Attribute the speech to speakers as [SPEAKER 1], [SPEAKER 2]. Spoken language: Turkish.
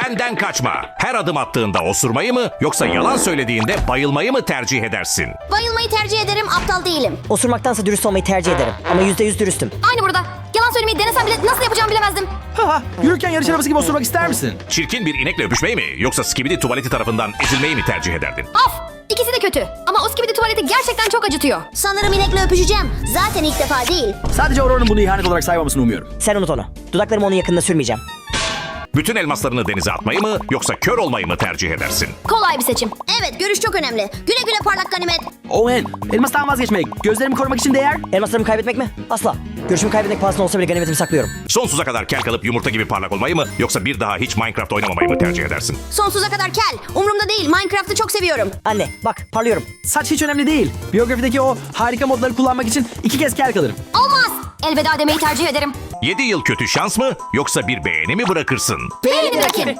[SPEAKER 1] Benden kaçma. Her adım attığında osurmayı mı yoksa yalan söylediğinde bayılmayı mı tercih edersin?
[SPEAKER 2] Bayılmayı tercih ederim, aptal değilim.
[SPEAKER 3] Osurmaktansa dürüst olmayı tercih ederim. Ama %100 dürüstüm.
[SPEAKER 2] Aynı burada. Yalan söylemeyi denesem bile nasıl yapacağımı bilemezdim.
[SPEAKER 4] Haha, yürürken yarış arabası gibi osurmak ister misin?
[SPEAKER 1] Çirkin bir inekle öpüşmeyi mi yoksa skibidi tuvaleti tarafından ezilmeyi mi tercih ederdin?
[SPEAKER 2] Of! İkisi de kötü. Ama o skibidi tuvaleti gerçekten çok acıtıyor. Sanırım inekle öpüşeceğim. Zaten ilk defa değil.
[SPEAKER 4] Sadece Aurora'nın bunu ihanet olarak saymamasını umuyorum.
[SPEAKER 3] Sen unut onu. Dudaklarımı onun yakınına sürmeyeceğim.
[SPEAKER 1] Bütün elmaslarını denize atmayı mı yoksa kör olmayı mı tercih edersin?
[SPEAKER 2] Kolay bir seçim. Evet, görüş çok önemli. Güle güle parlak ganimet.
[SPEAKER 4] Owen, elmastan vazgeçmek. Gözlerimi korumak için değer.
[SPEAKER 3] Elmaslarımı kaybetmek mi? Asla. Görüşümü kaybetmek pahasına olsa bile ganimetimi saklıyorum.
[SPEAKER 1] Sonsuza kadar kel kalıp yumurta gibi parlak olmayı mı yoksa bir daha hiç Minecraft oynamamayı mı tercih edersin?
[SPEAKER 2] Sonsuza kadar kel. Umurumda değil. Minecraft'ı çok seviyorum.
[SPEAKER 3] Anne bak parlıyorum.
[SPEAKER 4] Saç hiç önemli değil. Biyografideki o harika modları kullanmak için 2 kez kel kalırım.
[SPEAKER 2] Olmaz. Elveda demeyi tercih ederim.
[SPEAKER 1] 7 yıl kötü şans mı yoksa bir beğeni mi bırakırsın?
[SPEAKER 2] Beğeni bırakayım.